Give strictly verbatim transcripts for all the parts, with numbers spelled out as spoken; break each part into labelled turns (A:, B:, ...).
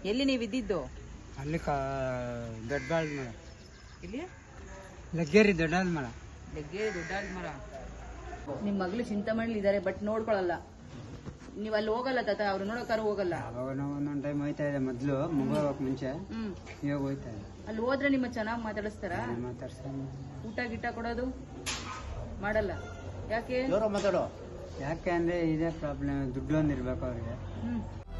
A: ಎಲ್ಲಿ ನೀವು ಇದ್ದಿದ್ದು?
B: ಅಲ್ಲಿ ಕಾ ದೊಡ್ಡಾಳ್ ಮರ.
A: ಇಲ್ಲಿ
B: ಲಗ್ಗೇರಿ ದೊಡ್ಡಾಳ್ ಮರ.
A: ಲಗ್ಗೇರಿ ದೊಡ್ಡಾಳ್ ಮರ. ನಿಮ್ಮ ಮಗಳು ಚಿಂತಾಮಣಿಲಿ ಇದ್ದಾರೆ, ಬಟ್ ನೋಡ್ಕೊಳಲ್ಲ. ನೀವು ಅಲ್ಲಿ ಹೋಗಲ್ಲ ತಾತ, ಅವ್ರು ನೋಡೋಕಾರ ಹೋಗಲ್ಲ.
B: ಅವಾಗ ನಾವು ಒಂದೊಂದು ಟೈಮ್ ಹೋಯ್ತಾ ಇದೆ ಮೊದಲು, ಮುಗೋಕ್ ಮುಂಚೆ.
A: ಹ್ಮ್
B: ಇವಾಗ ಹೋಯ್ತಾ ಇದೆ.
A: ಅಲ್ಲಿ ಹೋದ್ರೆ ನಿಮ್ಮ ಚೆನ್ನಾಗಿ ಮಾತಾಡಿಸ್ತಾರ?
B: ಮಾತಾಡ್ಸ್ಕೊಂಡು
A: ಊಟ ಗಿಟ ಕೊಡೋದು ಮಾಡಲ್ಲ. ಯಾಕೆ?
C: ಮಾತಾಡೋ.
B: ಯಾಕೆ ಅಂದ್ರೆ ಇದೇ ಪ್ರಾಬ್ಲಮ್, ದುಡ್ಡು ಒಂದು ಇರ್ಬೇಕು ಅವ್ರಿಗೆ.
A: ಹ್ಮ್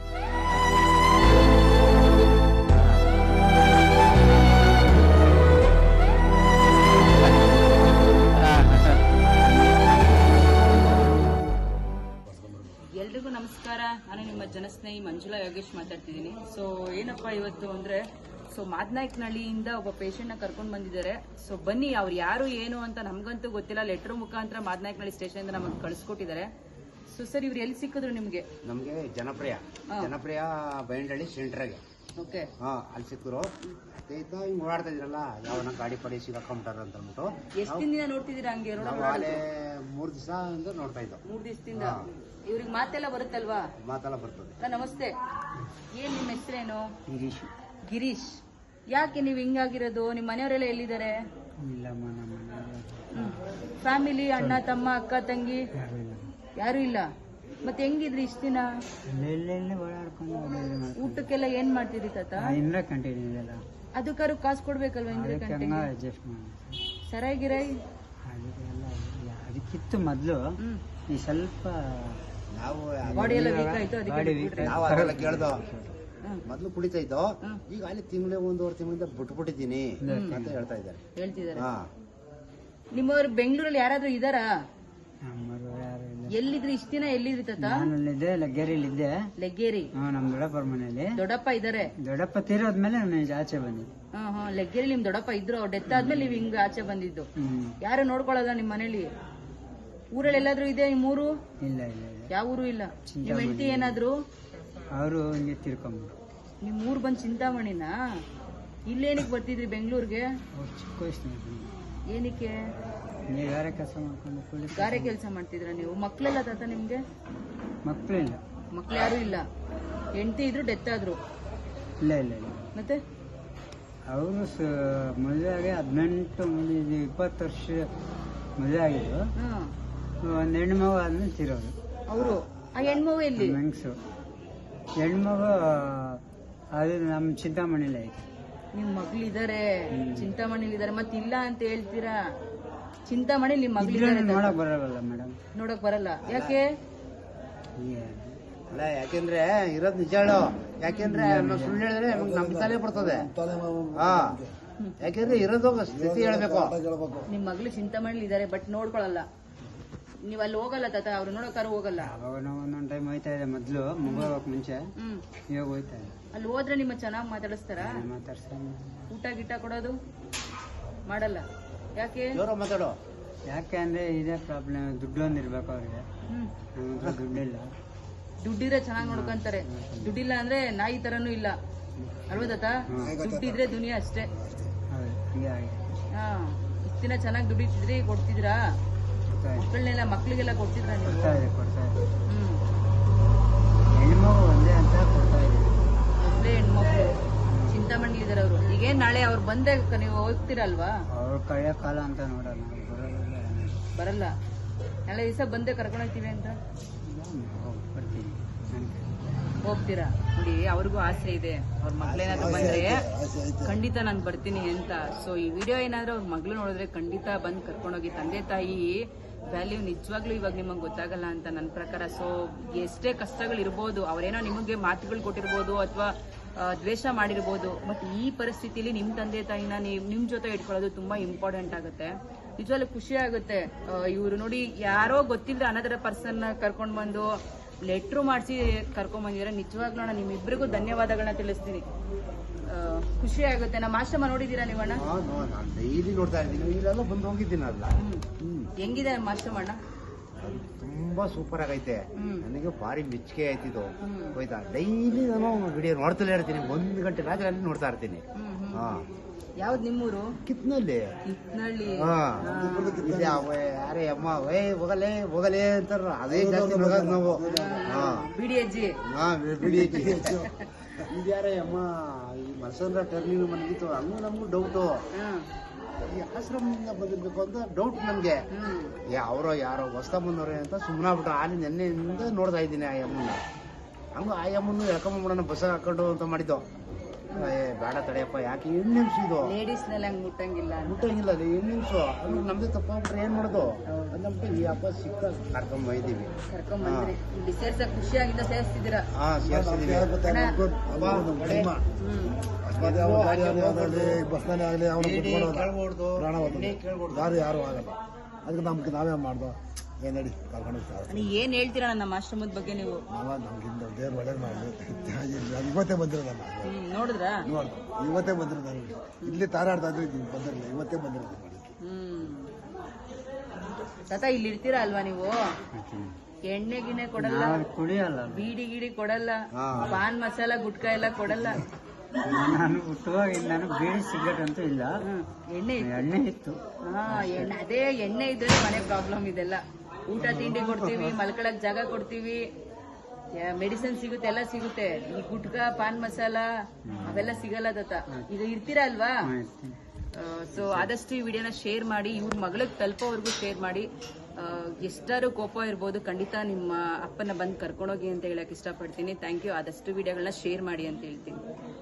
A: ಎಲ್ರಿಗೂ ನಮಸ್ಕಾರ. ನಾನು ನಿಮ್ಮ ಜನಸ್ನೇಹಿ ಮಂಜುಳಾ ಯೋಗೇಶ್ ಮಾತಾಡ್ತಿದ್ದೀನಿ. ಸೊ ಏನಪ್ಪಾ ಇವತ್ತು ಅಂದ್ರೆ, ಸೊ ಮಾದನಾಯಕನಹಳ್ಳಿಯಿಂದ ಒಬ್ಬ ಪೇಷಂಟ್ ನ ಕರ್ಕೊಂಡು ಬಂದಿದ್ದಾರೆ. ಸೊ ಬನ್ನಿ, ಅವ್ರು ಯಾರು ಏನು ಅಂತ ನಮ್ಗಂತೂ ಗೊತ್ತಿಲ್ಲ. ಲೆಟರ್ ಮುಖಾಂತರ ಮಾದನಾಯಕನಹಳ್ಳಿ ಸ್ಟೇಷನ್ ಇಂದ ನಮಗೆ ಕಳಿಸ್ಕೊಟ್ಟಿದ್ದಾರೆ. ಸೊ ಸರ್, ಇವ್ರು ಎಲ್ಲಿ ಸಿಕ್ಕಿದ್ರು ನಿಮ್ಗೆ?
C: ನಮ್ಗೆ ಜನಪ್ರಿಯ ಜನಪ್ರಿಯ ಬೈಂಡಳ್ಳಿ ಸೆಂಟ್ರಾಗೆ.
A: ಓಕೆ.
C: ಹಾ, ಅಲ್ಲಿ ಸಿಕ್ಕರು. ಹಿಂಗ್ ಓಡಾಡ್ತಾ ಇದ್ರಲ್ಲ, ಯಾವನ ಗಾಡಿ ಪಡಿ ಸಿಗಾಕೊಂಬಿಟ್ಟಾರ ಅಂತ ಅಂದ್ಬಿಟ್ಟು.
A: ಎಷ್ಟು ದಿನ ನೋಡ್ತಿದ್ದೀರಾ ಹಂಗೆ?
C: ಅಲ್ಲೇ ಮೂರ್ ದಿವಸ ನೋಡ್ತಾ ಇದ್ದೋ.
A: ಮೂರ್ ದಿವಸದಿಂದ. ಇವ್ರಿಗೆ ಮಾತೆಲ್ಲ ಬರುತ್ತಲ್ವಾ?
C: ಮಾತೆಲ್ಲ ಬರ್ತದೆ.
A: ನಮಸ್ತೆ, ಏನ್ ನಿಮ್ಮ ಹೆಸರೇನು?
B: ಗಿರೀಶ್.
A: ಗಿರೀಶ್. ಯಾಕೆ ನೀವು ಹಿಂಗಾಗಿರೋದು? ನಿಮ್ಮ ಮನೆಯವರೆಲ್ಲ ಎಲ್ಲಿದ್ದಾರೆ?
B: ಇಲ್ಲಮ್ಮ, ನಮ್ಮ ಮನೆ
A: ಫ್ಯಾಮಿಲಿ, ಅಣ್ಣ ತಮ್ಮ ಅಕ್ಕ ತಂಗಿ
B: ಯಾರು ಇಲ್ಲ.
A: ಯಾರು ಇಲ್ಲ. ಮತ್ತೆ ಹೆಂಗಿದ್ರಿ ಇಷ್ಟ ದಿನ?
B: ಎಲ್ಲೆಲ್ಲೆಲ್ಲೇ ಓಡಾಡ್ಕೊಂಡು
A: ಊಟಕ್ಕೆಲ್ಲ ಏನ್ ಮಾಡ್ತಿದ್ರಿ ತಾತ?
B: ಇಂದ್ರ ಕಂಟಿನ್ಯೂ ಇದೆಯಲ್ಲ,
A: ಅದಕ್ಕಾರು ಕಾಸು ಕೊಡ್ಬೇಕಲ್ವಾ? ಇಂದ್ರ
B: ಅದಕ್ಕೆ
A: ಕಂಟಿಗೆ
B: ಅಡ್ಜಸ್ಟ್ ಮಾಡಿ.
A: ಸರಾಗಿರೈ
B: ಅದಕ್ಕೆಲ್ಲ ಅದಕ್ಕಿತ್ತು ಮೊದಲು.
A: ಹ್ಮ್
B: ಈ ಸ್ವಲ್ಪ
C: ನಾವು
A: ಬಾಡಿ ಎಲ್ಲ ವೀಕ್ ಆಯ್ತು,
B: ಬಾಡಿ
A: ಅದಕ್ಕೆ
B: ವೀಕ್
A: ಬಿಟ್ಬಿಟ್ರೆ?
C: ನಾವು ಅದೆಲ್ಲ ಕೇಳ್ದೋ.
A: ಹ್ಮ್.
C: ಮೊದ್ಲು ಕುಡಿತಾ ಇದ್ದೋ,
A: ಹ್ಮ್.
C: ಈಗ ಅಲ್ಲಿ ತಿಂಗಳೇ ಒಂದೂವರೆ ತಿಂಗಳಿಂದ ಬಿಟ್ಬಿಟ್ಟಿದ್ದೀನಿ ಅಂತ ಹೇಳ್ತಾ ಇದ್ದಾರೆ.
A: ಹೇಳ್ತಿದ್ದಾರೆ.
C: ಹಾ,
A: ನಿಮ್ಮವ್ರು ಬೆಂಗಳೂರಲ್ಲಿ ಯಾರಾದ್ರೂ ಇದಾರಾ?
B: ನಮ್ಮರು ಯಾರು ಇಲ್ಲ.
A: ಎಲ್ಲಿದ್ರಿ ಇಷ್ಟ ದಿನ? ಎಲ್ಲಿದ್ರಿ ತಾತ?
B: ನಾನಲ್ಲಿದ್ದೆ, ಲಗ್ಗೇರಿಲಿದ್ದೆ.
A: ಲೆಗ್ಗೇರಿ.
B: ಹ್ಮ್, ನಮ್ ದೊಡ್ಡಪ್ಪರ ಮನೇಲಿ.
A: ದೊಡ್ಡಪ್ಪ ಇದಾರೆ?
B: ದೊಡ್ಡಪ್ಪ ತೀರೋದ್ಮೇಲೆ ನಾನು ಆಚೆ ಬಂದಿದ್ದೆ.
A: ಹಾ ಹಾ ಲೆಗ್ಗೇರಿ ನಿಮ್ ದೊಡ್ಡಪ್ಪ ಇದ್ರು, ಅವ್ರ ಡೆತ್ ಆದ್ಮೇಲೆ ನೀವ್ ಹಿಂಗ ಆಚೆ ಬಂದಿದ್ದು.
B: ಹ್ಮ್.
A: ಯಾರು ನೋಡ್ಕೊಳಲ್ಲ ನಿಮ್ ಮನೇಲಿ? ಊರಲ್ಲಿ ಎಲ್ಲಾದ್ರೂ ಇದೆ ನಿಮ್ ಊರು?
B: ಇಲ್ಲ ಇಲ್ಲ ಇಲ್ಲ.
A: ಯಾವ ಊರು ಇಲ್ಲ. ನಿಮ್ ಹೆಂಡತಿ ಏನಾದ್ರು?
B: ಅವರು ಹಿಂಗೆ ತಿರ್ಕೊಂಡ್ರು.
A: ನಿಮ್ ಊರ್ ಬಂದ್ ಚಿಂತಾಮಣಿನ? ಇಲ್ಲೇನಕ್ ಬರ್ತಿದ್ರಿ ಬೆಂಗಳೂರಿಗೆ?
B: ಅವ್ರು ಚಿಕ್ಕ ವಯಸ್ಸಿನ
A: ಏನಕ್ಕೆ?
B: ನೀವು ಯಾರೇ ಕೆಲಸ ಮಾಡ್ಕೊಂಡು ಕೂಲಿ
A: ಗಾರೆ ಕೆಲಸ ಮಾಡ್ತಿದ್ರ ನೀವು? ಮಕ್ಳೆಲ್ಲ ತಾತ ನಿಮ್ಗೆ?
B: ಮಕ್ಕಳು ಇಲ್ಲ.
A: ಮಕ್ಳು ಯಾರು ಇಲ್ಲ. ಹೆಂಡತಿ ಇದ್ರು ಡೆತ್ ಆದ್ರು?
B: ಇಲ್ಲ ಇಲ್ಲ ಇಲ್ಲ.
A: ಮತ್ತೆ
B: ಅವರು ಮದುವೆ ಆಗಿ ಹದಿನೆಂಟು ಇದು ಇಪ್ಪತ್ತು ವರ್ಷ ಮದುವೆ ಆಗಿದ್ದು.
A: ಹಾ.
B: ಒಂದು ಹೆಣ್ಣು ಮಗು ಆದ್ಮೇಲೆ ತಿರೋದು.
A: ಅವರು ಆ ಹೆಣ್ಮಗು ಎಲ್ಲಿ?
B: ಮೆಣಸು ಹೆಣ್ಮಗು ಅದು ನಮ್ಮ ಚಿಂತಾಮಣಿಲಿ ಐತೆ.
A: ನಿಮ್ ಮಗ್ಳಿದಾರೆ ಚಿಂತಾಮಣಿಲಿ ಇದಾರೆ, ಮತ್ತೆ ಇಲ್ಲ ಅಂತ ಹೇಳ್ತೀರಾ? ಚಿಂತಾಮಣಿ ನಿಮ್ ಮಗ್ಳಿದಾರೆ,
B: ನೋಡಕ್ ಬರಲ್ಲ ಮೇಡಮ್.
A: ನೋಡಕ್ ಬರಲ್ಲ. ಯಾಕೆ?
C: ಅಲ್ಲ, ಯಾಕೆಂದ್ರೆ ಇರೋದ್ ನಿಜ ಹೇಳು. ಯಾಕೆಂದ್ರೆ ನಾವು ಸುಳ್ಳು ಹೇಳಿದ್ರೆ ನಮ್ಗೆ ನಮ್ ತಲೆ ಬರ್ತದೆ. ಹಾ, ಯಾಕೆಂದ್ರೆ ಇರೋದು ಸ್ಥಿತಿ ಹೇಳ್ಬೇಕು.
A: ನಿಮ್ ಮಗ್ಳು ಚಿಂತಾಮಣಿಲಿ ಇದಾರೆ, ಬಟ್ ನೋಡ್ಕೊಳಲ್ಲ. ನೀವ್ ಅಲ್ಲಿ ಹೋಗಲ್ಲ ತಾತ, ಅವ್ರು ನೋಡೋಕಾರ ಹೋಗಲ್ಲ.
B: ಅವಾಗ ನಾವು ಒಂದೊಂದು ಟೈಮ್ ಹೋಯ್ತಾ ಇದೆ ಮೊದಲು, ಮುಗೋಕ್ ಮುಂಚೆ.
A: ಹ್ಮ್
B: ಇವಾಗ ಹೋಯ್ತಾ ಇದೆ.
A: ಅಲ್ಲಿ ಹೋದ್ರೆ ನಿಮ್ಮ ಚೆನ್ನಾಗಿ ಮಾತಾಡಿಸ್ತಾರ?
B: ಮಾತಾಡ್ಸ್ಕೊಂಡು
A: ಊಟ ಗಿಟ ಕೊಡೋದು ಮಾಡಲ್ಲ. ಯಾಕೆ?
C: ಮಾತಾಡೋ.
B: ಯಾಕೆ ಅಂದ್ರೆ ಇದೇ ಪ್ರಾಬ್ಲಮ್, ದುಡ್ಡು ಒಂದು ಇರ್ಬೇಕು ಅವ್ರಿಗೆ.
A: ಹ್ಮ್
B: ನಮ್ಮ ಹತ್ರ ದುಡ್ಡಿಲ್ಲ.
A: ದುಡ್ಡಿದ್ರೆ ಚೆನ್ನಾಗಿ ನೋಡ್ಕೊಂತಾರೆ. ದುಡ್ಡಿಲ್ಲ ಅಂದ್ರೆ ನಾಯಿ ತರನು ಇಲ್ಲ ಅಲ್ವಾ ತಾತ? ದುಡ್ಡಿದ್ರೆ ದುನಿಯಾ ಅಷ್ಟೇ.
B: ಹೌದು, ಹಂಗೆ ಆಗಿದೆ.
A: ಹಾ, ಇಷ್ಟ ದಿನ ಚೆನ್ನಾಗಿ ದುಡಿತಿದ್ರಿ, ಕೊಡ್ತಿದ್ರಾ? ಮಕ್ಕಳನ್ನೆಲ್ಲ ಮಕ್ಳಿಗೆಲ್ಲ ಕೊಡ್ತಿದ್ರ ನೀವು?
B: ಕೊಡ್ತಾ ಇದೆ ಕೊಡ್ತಾ ಇದೆ.
A: ಹ್ಮ್
B: ಹೆಣ್ಮಗು ಒಂದೇ ಅಂತ ಕೊಡ್ತಾ ಇದೆ.
A: ಒಬ್ಳೆ ಹೆಣ್ಮಕ್ಳು ಚಿಂತಾಮಣಿ ಇದಾರೆ ಅವರು. ಈಗೇನ್ ನಾಳೆ ಅವ್ರು ಬಂದೆ ನೀವು ಹೋಗ್ತೀರಲ್ವಾ?
B: ಅವ್ರು ಕಳೆಯೋ ಕಾಲ ಅಂತ ನೋಡಲ್ಲ, ಬರೋಲ್ಲ.
A: ಬರಲ್ಲ. ನಾಳೆ ದಿವಸ ಬಂದೆ ಕರ್ಕೊಂಡು ಹೋಗ್ತೀವಿ ಅಂತ
B: ಬರ್ತೀನಿ.
A: ಹೋಗ್ತೀರಾ? ನೋಡಿ, ಅವ್ರಿಗೂ ಆಸೆ ಇದೆ, ಅವ್ರ ಮಕ್ಳೇನಾದ್ರು ಬಂದ್ರೆ ಖಂಡಿತ ನಾನು ಬರ್ತೀನಿ ಅಂತ. ಸೊ ಈ ವಿಡಿಯೋ ಏನಾದ್ರೂ ಅವ್ರ ಮಗಳು ನೋಡಿದ್ರೆ ಖಂಡಿತ ಬಂದು ಕರ್ಕೊಂಡೋಗಿ. ತಂದೆ ತಾಯಿ ವ್ಯಾಲ್ಯೂ ನಿಜವಾಗ್ಲೂ ಇವಾಗ ನಿಮಗೆ ಗೊತ್ತಾಗಲ್ಲ ಅಂತ ನನ್ನ ಪ್ರಕಾರ. ಸೊ ಎಷ್ಟೇ ಕಷ್ಟಗಳು ಇರ್ಬೋದು, ಅವರೇನೋ ನಿಮಗೆ ಮಾತುಗಳು ಕೊಟ್ಟಿರ್ಬೋದು ಅಥವಾ ದ್ವೇಷ ಮಾಡಿರ್ಬೋದು, ಬಟ್ ಈ ಪರಿಸ್ಥಿತಿಲಿ ನಿಮ್ಮ ತಂದೆ ತಾಯಿನ ನೀವು ನಿಮ್ಮ ಜೊತೆ ಇಟ್ಕೊಳ್ಳೋದು ತುಂಬಾ ಇಂಪಾರ್ಟೆಂಟ್ ಆಗುತ್ತೆ. ನಿಜವಾಗ್ಲೂ ಖುಷಿ ಆಗುತ್ತೆ. ಇವರು ನೋಡಿ, ಯಾರೋ ಗೊತ್ತಿಲ್ಲದೆ ಅನದರ ಪರ್ಸನ್ ಕರ್ಕೊಂಡು ಬಂದು ಲೆಟ್ರು ಮಾಡಿಸಿ ಕರ್ಕೊಂಡ್ ಬಂದಿದ್ರೆ ನಿಜವಾಗ್ಲೂ ನಾನು ನಿಮ್ಮಿಬ್ಬರಿಗೂ ಧನ್ಯವಾದಗಳನ್ನ ತಿಳಿಸ್ತೀನಿ. ಖುಷಿ ಆಗುತ್ತೆ. ನಮ್ಮ ಆಶ್ರಮ ನೋಡಿದೀರಾ ನೀವಣ್ಣ?
C: ಡೈಲಿ ನೋಡ್ತಾ ಇದ್ದೀನಿ, ಇಲ್ಲೆಲ್ಲ ಬಂದು ಹೋಗಿದ್ದೀನಲ್ಲ.
A: ಹೆಂಗಿದೆ ನಮ್ಮ ಆಶ್ರಮ ಅಣ್ಣ?
C: ತುಂಬಾ ಸೂಪರ್ ಆಗೈತೆ.
A: ಹ್ಮ್.
C: ನನಗೆ ಭಾರಿ ಮೆಚ್ಚುಗೆ ಆಯ್ತಿದ್ದು.
A: ಹ್ಮ್.
C: ಹೋಯ್ತಾ ಡೈಲಿ ನಾನು ವಿಡಿಯೋ ನೋಡ್ತಲೇ ಇರ್ತೀನಿ. ಒಂದ್ ಗಂಟೆ ರಾತ್ರಿ ಅಲ್ಲಿ ನೋಡ್ತಾ ಇರ್ತೀನಿ.
A: ಹ್ಮ್, ಹ್ಮ್.
C: ಹಾ,
A: ಯಾವ್ದು ನಿಮ್ಮೂರು?
C: ಕಿತ್ನಲ್ಲಿ.
A: ಕಿತ್ನಳ್ಳಿ.
C: ಹಾ, ಇಲ್ಲಿ ಅವ ಯಾರೇ ಅಮ್ಮ ವೇ ಹೋಗಲೇ ಹೋಗಲೇ ಅಂತಾರ. ಅದೇ ಜಾಸ್ತಿ ನೋಡೋದು ನಾವು. ಹಾ,
A: ಬಿಡಿ ಅಜ್ಜಿ.
C: ಹಾ, ಬಿಡಿ. ಇದ್ಯಾರೇ ಅಮ್ಮ ಈ ಮಲ್ಸಂದ್ರ ಟರ್ನಿಂಗ್ ಮನಗಿತ್ತು ಹಂಗೂ ನಮಗೂ ಡೌಟು
A: ಹ್ಮ್
C: ಈ ಆಶ್ರಮದಿಂದ ಬಂದಿರ್ಬೇಕು ಅಂತ ಡೌಟ್ ನಮಗೆ
A: ಹ್ಮ್
C: ಏ ಅವರೋ ಯಾರೋ ಹೊಸ್ತಾ ಬಂದವ್ರೆ ಅಂತ ಸುಮ್ಮನಾಗ್ಬಿಟ್ಟು ಅಲ್ಲಿ ನೆನ್ನೆಯಿಂದ ನೋಡ್ತಾ ಇದ್ದೀನಿ ಆ ಅಮ್ಮನ್ನ ಹಂಗ ಆ ಅಮ್ಮನ್ನು ಎಳ್ಕೊಂಬಿಡೋಣ ಬಸ್ಸಾಗ ಹಾಕೊಂಡು ಅಂತ ಮಾಡಿದ್ದು ಏ ಬೇಡ ತಡೆಯಪ್ಪ ಯಾಕೆ ಏಳು ನಿಮಿಷ ಇದು
A: ಲೇಡೀಸ್ ನಲ್ಲಿ ಹಂಗ್ ಮುಟ್ಟಂಗಿಲ್ಲ ಅಂತ.
C: ಮುಟ್ಟಂಗಿಲ್ಲ ಅದು ಏಳು ನಿಮಿಷ ಅದು ನಮ್ದೇ ತಪ್ಪಾಗ್ಬಿಟ್ರೆ ಏನ್ ಮಾಡೋದು ಅಂದ್ಬಿಟ್ಟು ಈ ಹಬ್ಬ ಸಿಕ್ಕ ಕರ್ಕೊಂಡ್ ಬಂದಿದ್ದೀವಿ
A: ಕರ್ಕೊಂಡ್ ಬಂದ್ರಿ ಇಲ್ಲಿ ಸೇರ್ಸಕ್ ಖುಷಿಯಾಗಿಂದ ಸೇರಿಸ್ತಿದ್ದೀರಾ
C: ಹಾ ಸೇರ್ಸಿದೀವಿ
D: ಬಸ್ನಲ್ಲಿ ಆಗಲಿ ಅವನು
C: ಕೇಳ್ಬೋದು
D: ಪ್ರಾಣ
C: ಕೇಳ್ಬೋದು
D: ಯಾರು ಯಾರು ಆಗಲ್ಲ ಅದಕ್ಕೆ ನಮ್ಗೆ ನಾವೇ ಮಾಡ್ದೋ ಏನ್ ನಡಿ ಕರ್ಕೊಂಡು ಹೋಗ್ತಾರೆ
A: ನೀ ಏನ್ ಹೇಳ್ತೀರಾ ನಮ್ಮ ಆಶ್ರಮದ ಬಗ್ಗೆ ನೀವು
D: ನಾವ ನಮ್ಗಿಂತ ದೇವ್ರು ಒಳ್ಳೇದು ಮಾಡಲಿ ಇವತ್ತೇ ಬಂದಿರೋದು ನಾನು
A: ಹ್ಮ್ ನೋಡಿದ್ರಾ
D: ನೋಡ್ದು ಇವತ್ತೇ ಬಂದಿರೋದು ನಾನು ಇಲ್ಲಿ ತಾರಾಡ್ತಾ ಇದ್ರೆ ನೀವು ಬಂದಿರಲಿಲ್ಲ ಇವತ್ತೇ ಬಂದಿರೋದು ಮಾಡಿ
A: ಹ್ಮ್ ತಾತ ಇಲ್ಲಿ ಇರ್ತೀರಾ ಅಲ್ವಾ ನೀವು ಎಣ್ಣೆ ಗಿಣ್ಣೆ ಕೊಡಲ್ಲ
B: ನಾವು ಕುಡಿಯಲ್ಲ
A: ಬೀಡಿ ಗಿಡಿ ಕೊಡಲ್ಲ
C: ಹಾ.
A: ಪಾನ್ ಮಸಾಲ ಗುಟ್ಕಾ ಎಲ್ಲ ಕೊಡಲ್ಲ
B: ನಾನು ಹುಟ್ಟುವಾಗ ನಾನು ಬೀಡಿ ಸಿಗರೇಟ್ ಅಂತೂ ಇಲ್ಲ
A: ಹ್ಮ್ ಎಣ್ಣೆ ಇತ್ತು.
B: ಎಣ್ಣೆ ಇತ್ತು
A: ಹಾ ಎಣ್ಣೆ ಅದೇ ಎಣ್ಣೆ ಇದ್ರೆ ಮನೆ ಪ್ರಾಬ್ಲಮ್ ಇದೆಲ್ಲ ಊಟ ತಿಂಡಿ ಕೊಡ್ತೀವಿ ಮಲ್ಕೊಳಕ್ ಜಾಗ ಕೊಡ್ತೀವಿ ಮೆಡಿಸಿನ್ ಸಿಗುತ್ತೆ ಎಲ್ಲ ಸಿಗುತ್ತೆ ಈ ಗುಟ್ಕಾ ಪಾನ್ ಮಸಾಲ ಅವೆಲ್ಲ ಸಿಗಲ್ಲ ತಾತ ಈಗ ಇರ್ತೀರಾ ಅಲ್ವಾ ಸೊ ಆದಷ್ಟು ಈ ವಿಡಿಯೋನ ಶೇರ್ ಮಾಡಿ ಇವ್ರ ಮಗಳಿಗೆ ತಲುಪೋವರೆಗೂ ಶೇರ್ ಮಾಡಿ ಆ, ಎಷ್ಟಾರು ಕೋಪ ಇರ್ಬೋದು ಖಂಡಿತ ನಿಮ್ಮ ಅಪ್ಪನ ಬಂದು ಕರ್ಕೊಂಡೋಗಿ ಅಂತ ಹೇಳಕ್ ಇಷ್ಟಪಡ್ತೀನಿ ಥ್ಯಾಂಕ್ ಯು ಆದಷ್ಟು ವಿಡಿಯೋಗಳನ್ನ ಶೇರ್ ಮಾಡಿ ಅಂತ ಹೇಳ್ತೀನಿ